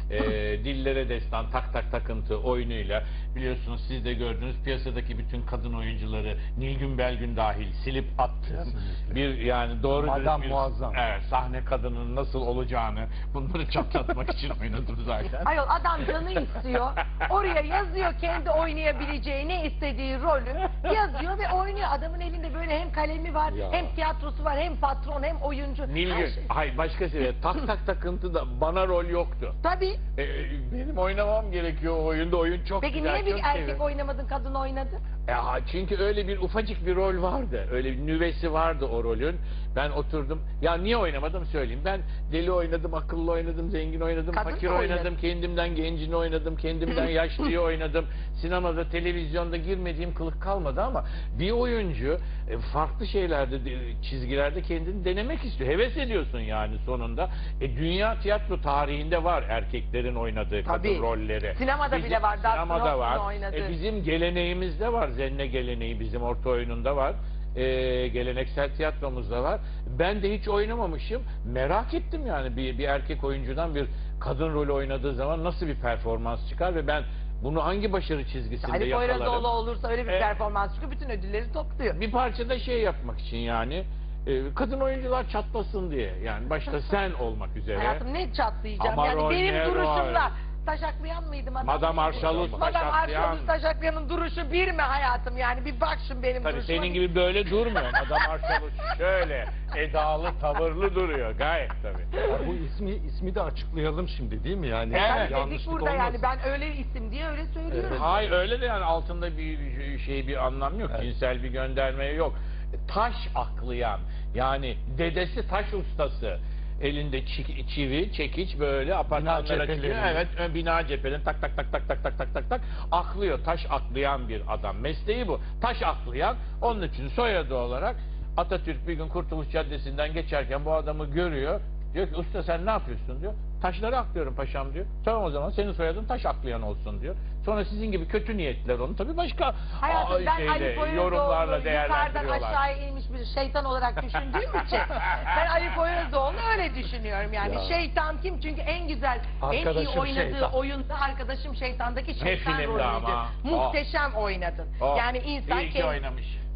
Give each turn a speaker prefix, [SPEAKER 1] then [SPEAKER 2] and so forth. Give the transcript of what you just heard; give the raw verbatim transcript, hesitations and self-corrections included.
[SPEAKER 1] e, dillere destan, tak tak takıntı oyunuyla biliyorsunuz siz de gördünüz piyasadaki bütün kadın oyuncuları Nilgün Belgün dahil silip attığım bir yani doğru
[SPEAKER 2] Madam
[SPEAKER 1] bir
[SPEAKER 2] muazzam.
[SPEAKER 1] evet, sahne kadının nasıl olacağını bunları çatlatmak için oynadım zaten.
[SPEAKER 3] Ayol adam canı istiyor. Oraya yazıyor kendi oynayabileceği ne istediği rolü yazıyor ve oynuyor. Adamın elinde böyle hem kalemi var,
[SPEAKER 2] Ya.
[SPEAKER 3] hem tiyatrosu var, hem patron, hem oyuncu. Her
[SPEAKER 1] Nilgün,
[SPEAKER 3] şey.
[SPEAKER 1] hayır başka seviye tak tak takıntı da bana rol yoktu.
[SPEAKER 3] Tabii.
[SPEAKER 1] E, benim oynamam gerekiyor o oyunda. Oyun çok
[SPEAKER 3] Peki
[SPEAKER 1] güzel.
[SPEAKER 3] niye bir
[SPEAKER 1] çok
[SPEAKER 3] erkek
[SPEAKER 1] seviyorum.
[SPEAKER 3] oynamadın, kadın oynadı?
[SPEAKER 1] Ya, çünkü öyle bir ufacık bir rol vardı. Öyle bir nüvesi vardı o rolün. Ben oturdum. Ya niye oynamadım söyleyeyim. Ben deli oynadım, akıllı oynadım, zengin oynadım,
[SPEAKER 3] Kadın
[SPEAKER 1] fakir
[SPEAKER 3] da
[SPEAKER 1] oynadım,
[SPEAKER 3] oynadın.
[SPEAKER 1] kendimden gencini oynadım, kendimden yaşlıyı oynadım. Sinemada, televizyonda girmediğim kılık kalmadı ama bir oyuncu e, farklı şeylerde, de- çizgilerde kendini denemek istiyor. Heves ediyorsun yani sonunda. E, dünya tiyatro tarihinde var erkeklerin oynadığı
[SPEAKER 3] Tabii.
[SPEAKER 1] kadın rolleri.
[SPEAKER 3] Sinemada
[SPEAKER 1] Bizim-
[SPEAKER 3] bile var. Dustin
[SPEAKER 1] Sinemada
[SPEAKER 3] Hoffman'ın
[SPEAKER 1] var.
[SPEAKER 3] oynadığı.
[SPEAKER 1] E, bizim geleneğimizde var. Zenne geleneği bizim orta oyununda var. E, geleneksel tiyatromuzda var. Ben de hiç oynamamışım. Merak ettim yani bir, bir erkek oyuncudan bir kadın rolü oynadığı zaman nasıl bir performans çıkar ve ben bunu hangi başarı çizgisinde
[SPEAKER 3] Ali
[SPEAKER 1] yakalarım.
[SPEAKER 3] Poyrazoğlu olursa öyle bir
[SPEAKER 1] E,
[SPEAKER 3] performans çıkıyor. Bütün ödülleri topluyor.
[SPEAKER 1] Bir parçada şey yapmak için yani e, kadın oyuncular çatlasın diye yani başta sen olmak üzere.
[SPEAKER 3] Hayatım ne çatlayacağım?
[SPEAKER 1] Ama
[SPEAKER 3] yani
[SPEAKER 1] rol
[SPEAKER 3] benim
[SPEAKER 1] ne
[SPEAKER 3] duruşumla
[SPEAKER 1] rol?
[SPEAKER 3] taşaklayan mıydım adam?
[SPEAKER 1] Madame Arşalus
[SPEAKER 3] Madame
[SPEAKER 1] taşaklayan.
[SPEAKER 3] Arşalus taşaklayanın duruşu bir mi hayatım? Yani bir bak şimdi benim
[SPEAKER 1] Tabii
[SPEAKER 3] duruşuma.
[SPEAKER 1] senin gibi böyle durmuyor. Adam Arşalus şöyle edalı, tavırlı duruyor. Gayet tabii.
[SPEAKER 2] Ya bu ismi ismi de açıklayalım şimdi değil mi yani?
[SPEAKER 1] Evet.
[SPEAKER 3] Tabii dedik
[SPEAKER 2] Yanlışlık
[SPEAKER 3] burada yani
[SPEAKER 2] olmasın.
[SPEAKER 3] ben öyle isim diye öyle söylüyorum.
[SPEAKER 2] Evet.
[SPEAKER 1] Hayır öyle de yani altında bir şey bir anlam yok.
[SPEAKER 2] Evet.
[SPEAKER 1] Cinsel bir gönderme yok. Taş aklayan yani dedesi taş ustası. Elinde çi- çivi, çekiç böyle apartmanlara
[SPEAKER 2] cepheleri.
[SPEAKER 1] çıkıyor. Evet, ön bina cephelerini tak tak tak tak tak tak tak tak tak aklıyor. Taş aklayan bir adam. Mesleği bu. Taş aklayan. Onun için soyadı olarak Atatürk bir gün Kurtuluş Caddesi'nden geçerken bu adamı görüyor. Diyor ki usta sen ne yapıyorsun diyor. Taşları aklıyorum paşam diyor. Tamam o zaman senin soyadın taş aklayan olsun diyor. Sonra sizin gibi kötü niyetler onu tabii başka
[SPEAKER 3] Hayatım
[SPEAKER 1] aa,
[SPEAKER 3] ben
[SPEAKER 1] şeyle,
[SPEAKER 3] Ali
[SPEAKER 1] yorumlarla
[SPEAKER 3] Poyrazoğlu'nu yukarıdan
[SPEAKER 1] değerlendiriyorlar.
[SPEAKER 3] aşağıya inmiş bir şeytan olarak düşündüğüm için ben Ali Poyrazoğlu'nu öyle düşünüyorum yani.
[SPEAKER 2] Ya.
[SPEAKER 3] Şeytan kim? Çünkü en güzel, en iyi
[SPEAKER 2] Arkadaşım
[SPEAKER 3] oynadığı
[SPEAKER 2] şeytan.
[SPEAKER 3] oyunda Arkadaşım Şeytan'daki şeytan
[SPEAKER 1] filmde
[SPEAKER 3] rolüydü.
[SPEAKER 1] ama.
[SPEAKER 3] Muhteşem oynadın.
[SPEAKER 1] Oh,
[SPEAKER 3] Yani insan
[SPEAKER 1] iyi ki
[SPEAKER 3] kendi-
[SPEAKER 1] oynamış.